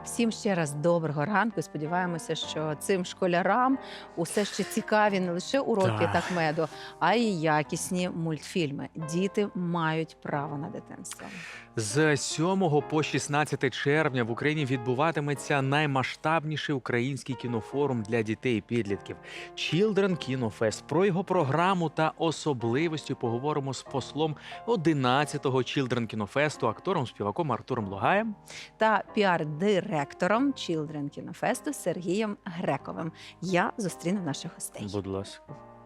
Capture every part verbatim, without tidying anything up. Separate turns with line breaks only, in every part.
Всім ще раз доброго ранку. Сподіваємося, що цим школярам усе ще цікаві не лише уроки
Так.
такмеду, а й якісні мультфільми. Діти мають право на дитинство.
З сьомого по шістнадцяте червня в Україні відбуватиметься наймасштабніший український кінофорум для дітей і підлітків – Children Kino Fest. Про його програму та особливості поговоримо з послом одинадцятого Children Kino Fest, актором-співаком Артуром Логаєм.
Та піар-директором Children Kino Fest Сергієм Грековим. Я зустріну наших гостей.
Будь ласка.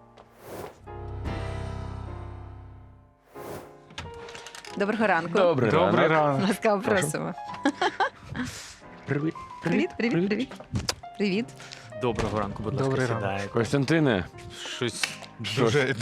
Доброго ранку.
Добрий,
Добрий
ранок.
ранок.
Ласкаво
Прошу.
просимо.
Привіт.
Привіт, привіт, привіт. Привіт.
Доброго ранку, будь ласка,
Добрий ранок.
сідайте.
Костянтине,
Щось
Що
дуже,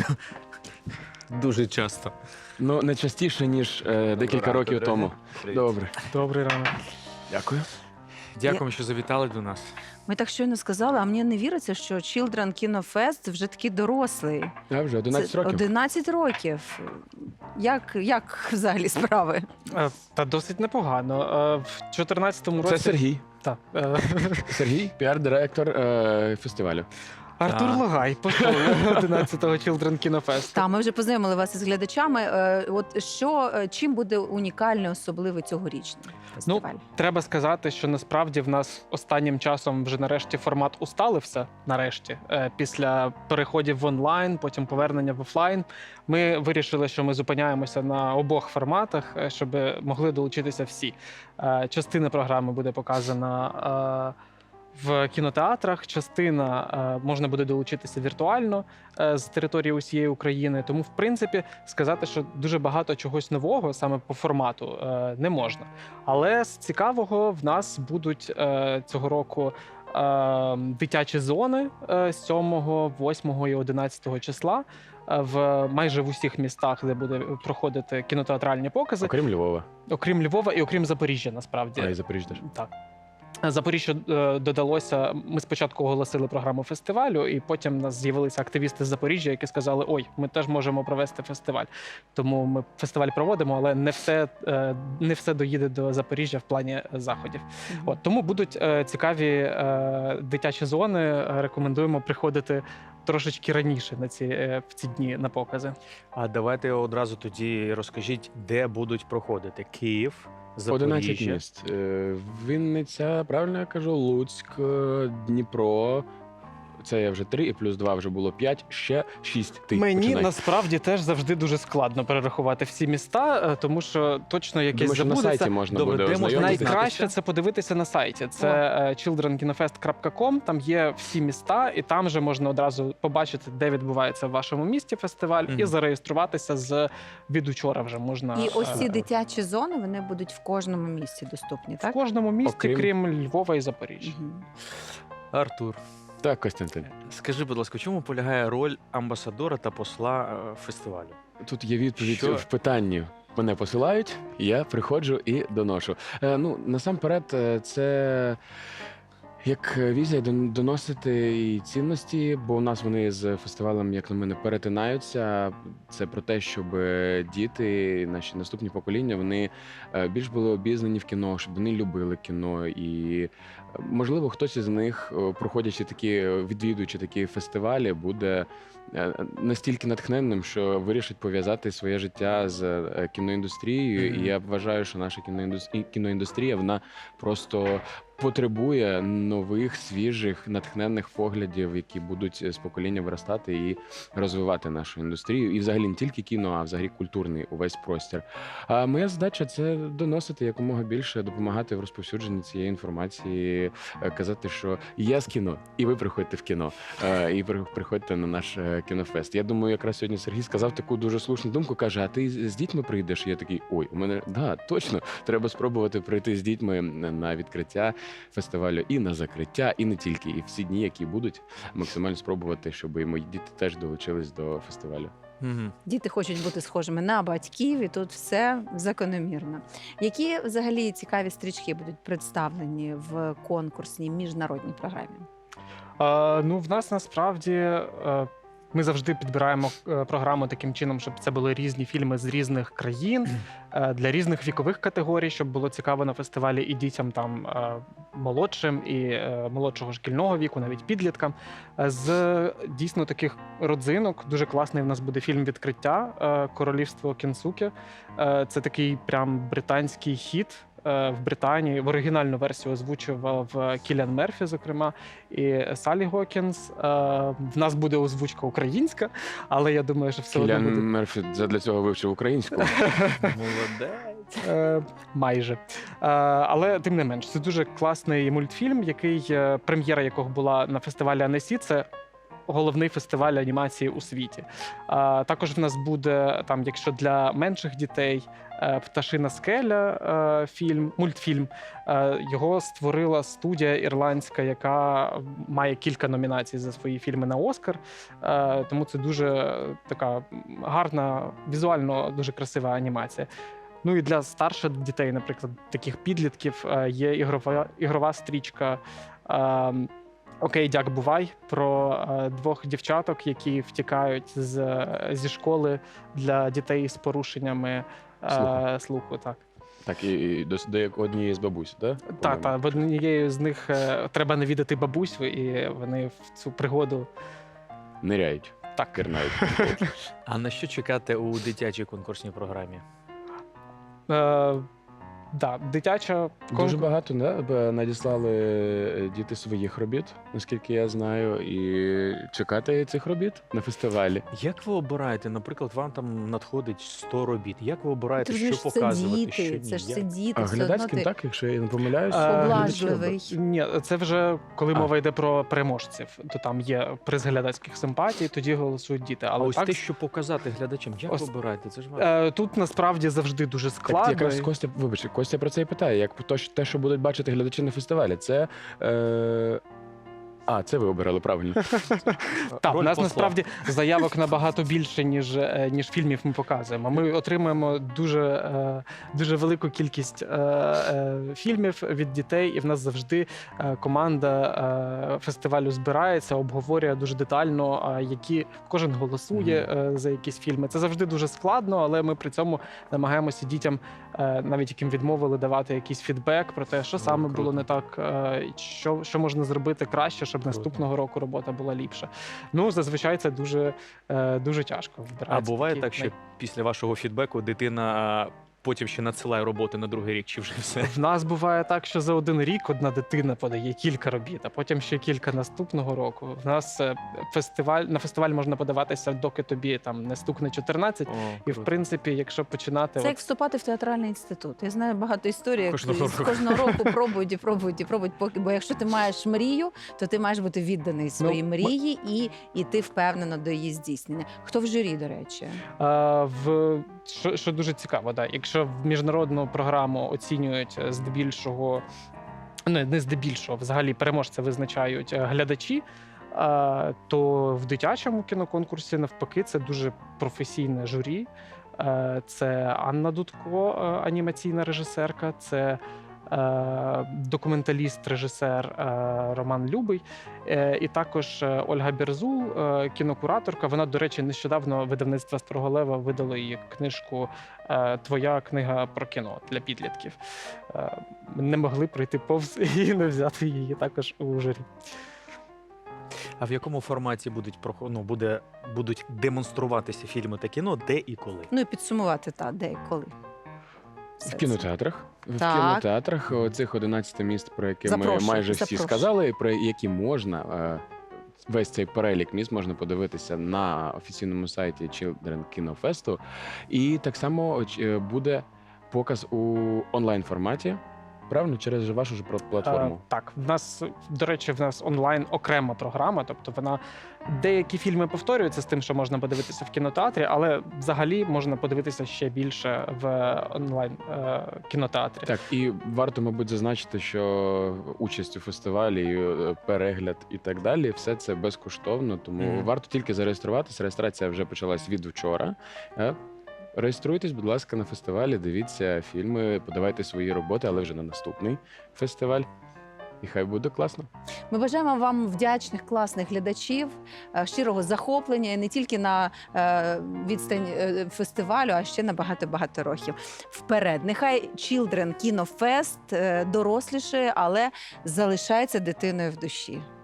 дуже часто.
ну не частіше, ніж е, декілька
ранку,
років
друзі.
тому.
Привіт.
Добре.
Добрий ранок.
Дякую.
Дякуємо, що завітали до нас.
Ми так щойно сказали, а мені не віриться, що Children Kino Fest вже такий дорослий.
Я вже одинадцять
Це
років.
одинадцять років. Як, як взагалі справи?
Е, Та досить непогано. Е, В чотирнадцятому році
Це Сергій.
Так. Е,
Сергій, піар-директор е, фестивалю.
Артур
Так.
Логай, посол одинадцятого Children Kino Fest.
Та ми вже познайомили вас із глядачами. Е, От що е, чим буде унікальний, особливий цьогорічний фестиваль?
Треба сказати, що насправді в нас останнім часом вже нарешті формат усталився. Нарешті, Е, після переходів в онлайн, потім повернення в офлайн. Ми вирішили, що ми зупиняємося на обох форматах, е, щоб могли долучитися всі. Е, Частина програми буде показана е, в кінотеатрах, частина е, можна буде долучитися віртуально е, з території усієї України. Тому, в принципі, сказати, що дуже багато чогось нового саме по формату е, не можна. Але з цікавого в нас будуть е, цього року е, дитячі зони е, сьомого, восьмого і одинадцятого числа е, в майже в усіх містах, де буде проходити кінотеатральні покази,
Окрім Львова.
окрім Львова і окрім Запоріжжя, насправді.
А і Запоріжжя теж.
Так. Запоріжжя е, додалося. Ми спочатку оголосили програму фестивалю, і потім в нас з'явилися активісти з Запоріжжя, які сказали: ой, ми теж можемо провести фестиваль. Тому ми фестиваль проводимо, але не все, е, не все доїде до Запоріжжя в плані заходів.
Мгм.
От тому будуть е, цікаві е, дитячі зони. Е, Рекомендуємо приходити трошечки раніше на ці е, в ці дні на покази.
А давайте одразу тоді розкажіть, де будуть проходити. Київ,
одинадцять
Запоріжжя.
міст. Е, Вінниця, правильно я кажу, Луцьк, е, Дніпро. Це я вже три, і плюс два вже було п'ять, ще шість. Ти
Мені
починай.
насправді теж завжди дуже складно перерахувати всі міста, е, тому що точно якесь
Думаю, що на
забудеться.
сайті можна
Добре,
буде
де можна
ознайомитися.
Найкраще це подивитися на сайті. Це е, children kino fest крапка com, Там є всі міста, і там же можна одразу побачити, де відбувається в вашому місті фестиваль,
Мгм.
і зареєструватися з від учора. Вже можна
І ось ці
е,
дитячі зони вони будуть в кожному місці доступні,
в
так?
кожному місті,
Окрім-
крім Львова і Запоріжжя.
Мгм.
Артур,
Так, Костянтин.
скажи, будь ласка, в чому полягає роль амбасадора та посла е, фестивалю?
Тут є відповідь
Що?
в питанні. Мене посилають, я приходжу і доношу. Е, ну, насамперед, е, це як візія дон- доносити і цінності, бо у нас вони з фестивалем, як на мене, перетинаються. Це про те, щоб діти, наші наступні покоління, вони е, більш були обізнані в кіно, щоб вони любили кіно. І, е, можливо, хтось із них, е, проходячи такі, відвідуючи такі фестивалі, буде е, настільки натхненним, що вирішить пов'язати своє життя з е, кіноіндустрією.
Мгм.
І я вважаю, що наша кіноіндустрія, кіноіндустрія вона просто потребує нових, свіжих, натхненних поглядів, які будуть з покоління виростати і розвивати нашу індустрію. І взагалі не тільки кіно, а взагалі культурний увесь простір. А моя задача це доносити якомога більше, допомагати в розповсюдженні цієї інформації, е, казати, що я з кіно, і ви приходьте в кіно, е, і при- приходьте на наш е, кінофест. Я думаю, якраз сьогодні Сергій сказав таку дуже слушну думку. Каже: а ти з з дітьми прийдеш? І я такий: ой, у мене да, точно, треба спробувати прийти з дітьми на відкриття фестивалю і на закриття, і не тільки, і всі дні, які будуть, максимально спробувати, щоб і мої діти теж долучились до фестивалю.
Угу.
Діти хочуть бути схожими на батьків, і тут все закономірно. Які взагалі цікаві стрічки будуть представлені в конкурсній міжнародній програмі?
Е, ну, в нас насправді е, Ми завжди підбираємо е, програму таким чином, щоб це були різні фільми з різних країн е, для різних вікових категорій, щоб було цікаво на фестивалі і дітям там е, молодшим, і е, молодшого шкільного віку, навіть підліткам. Е, З дійсно таких родзинок дуже класний в нас буде фільм «Відкриття» е, «Королівство Кінсуке». Е, Це такий прям британський хіт. е, В Британії в оригінальну версію озвучував Кіліан Мерфі, зокрема, і Салі Гокінс. Е, В нас буде озвучка українська, але я думаю, що все одно
Кіліан
буде
Мерфі для цього вивчив українську.
Молодець.
Е, майже. Е, але тим не менш, це дуже класний мультфільм, який е, прем'єра якого була на фестивалі Аннесі. Це головний фестиваль анімації у світі. Е, також в нас буде там, якщо для менших дітей, е, Пташина скеля, е, фільм, мультфільм. Е, його створила студія ірландська, яка має кілька номінацій за свої фільми на Оскар. Е, тому це дуже така гарна, візуально дуже красива анімація. Ну і для старших дітей, наприклад, таких підлітків, е, є ігрова, ігрова стрічка е, «Окей, дяк, бувай» про е, двох дівчаток, які втікають з, зі школи для дітей з порушеннями е,
Слуху.
слуху. Так,
Так, і, і до, до як- однієї з бабусь, так?
та, та, в однією з них е, треба навідати бабусю, і вони в цю пригоду
Ниряють,
так.
кирнають.
А на що чекати у дитячій конкурсній програмі?
Е, да, дитяча
Дуже
конкур-
багато да, б- надіслали е, діти своїх робіт, наскільки я знаю, і чекати цих робіт на фестивалі.
Як ви обираєте, наприклад, вам там надходить сто робіт. Як ви обираєте,
Ти
що
розумієш, це
показувати, що
діти,
ні?
це ж
Як?
це діти,
А
все одно
глядацьким,
ти
так, якщо я не помиляюсь,
Е,
глядачі
поблажливий.
Ні, це вже коли
А.
мова йде про переможців, то там є приз глядацьких симпатій, тоді голосують діти.
А
Але
ось
так,
те, що показати глядачам, як
Ось-
ви обираєте? Це ж важко.
е, тут насправді завжди дуже
Так,
складно.
якраз Костя, вибачте, Костя про це і питає. Як то, що- те, що будуть бачити глядачі на фестивалі, це. Е... А, це ви обирали правильно.
Так, у
Роль
нас
посла.
насправді заявок набагато більше, ніж, е, ніж фільмів ми показуємо. Ми отримуємо дуже, е, дуже велику кількість е, е, фільмів від дітей, і в нас завжди е, команда е, фестивалю збирається, обговорює дуже детально, е, які кожен голосує е, за якісь фільми. Це завжди дуже складно, але ми при цьому намагаємося дітям, е, навіть яким відмовили, давати якийсь фідбек про те, що
Ну,
саме
круто.
було не так, е, що, що можна зробити краще, щоб
Круто.
наступного року робота була ліпша. Ну, зазвичай це дуже, е, дуже тяжко.
А
Вибираються
буває
такі
так, що
най-
після вашого фідбеку дитина потім ще надсилає роботи на другий рік, чи вже все?
В нас буває так, що за один рік одна дитина подає кілька робіт, а потім ще кілька наступного року. В нас е, фестиваль на фестиваль можна подаватися, доки тобі там не стукне чотирнадцять.
О,
І в
круто.
принципі, якщо починати
Це як
от,
вступати в театральний інститут. Я знаю багато історій, як
Кожного
з-
року.
кожного року пробують і пробують і пробують. Поки бо якщо ти маєш мрію, то ти маєш бути відданий своїй
ми-
мрії і йти впевнено до її здійснення. Хто в журі, до речі?
е, в що, що дуже цікаво, да, якщо в міжнародну програму оцінюють е, здебільшого, не, не здебільшого, взагалі переможця визначають е, глядачі. е, То в дитячому кіноконкурсі навпаки це дуже професійне журі. Е, Це Анна Дудко, е, анімаційна режисерка, це е, документаліст, режисер е, Роман Любий, е, і також е, Ольга Бірзул, е, кінокураторка. Вона, до речі, нещодавно видавництво Строголева видало її книжку е, «Твоя книга про кіно» для підлітків. Е, Не могли пройти повз і не взяти її також у журі.
А в якому форматі будуть прохо- ну, буде, будуть демонструватися фільми та кіно, де і коли?
Ну і підсумувати та де і коли. Все
В
це.
кінотеатрах. В
Так.
кінотеатрах оцих одинадцять міст, про які ми
Запрошую,
майже всі
запрошую.
сказали, і про які можна. е, Весь цей перелік міст можна подивитися на офіційному сайті Children Kino Fest. І так само оч- е, буде показ у онлайн форматі. Правильно, через вашу ж платформу.
Е, так, в нас, до речі, в нас онлайн окрема програма, тобто вона деякі фільми повторюються з тим, що можна подивитися в кінотеатрі, але взагалі можна подивитися ще більше в онлайн е, кінотеатрі.
Так, і варто, мабуть, зазначити, що участь у фестивалі, е, перегляд і так далі, все це безкоштовно, тому
Мгм.
варто тільки зареєструватися. Реєстрація вже почалась від вчора. Е, Реєструйтесь, будь ласка, на фестивалі, дивіться фільми, подавайте свої роботи, але вже на наступний фестиваль. І хай буде класно.
Ми бажаємо вам вдячних, класних глядачів, е, щирого захоплення і не тільки на е, відстань е, фестивалю, а ще на багато-багато років. Вперед! Нехай Children Kino Fest е, дорослішає, але залишається дитиною в душі.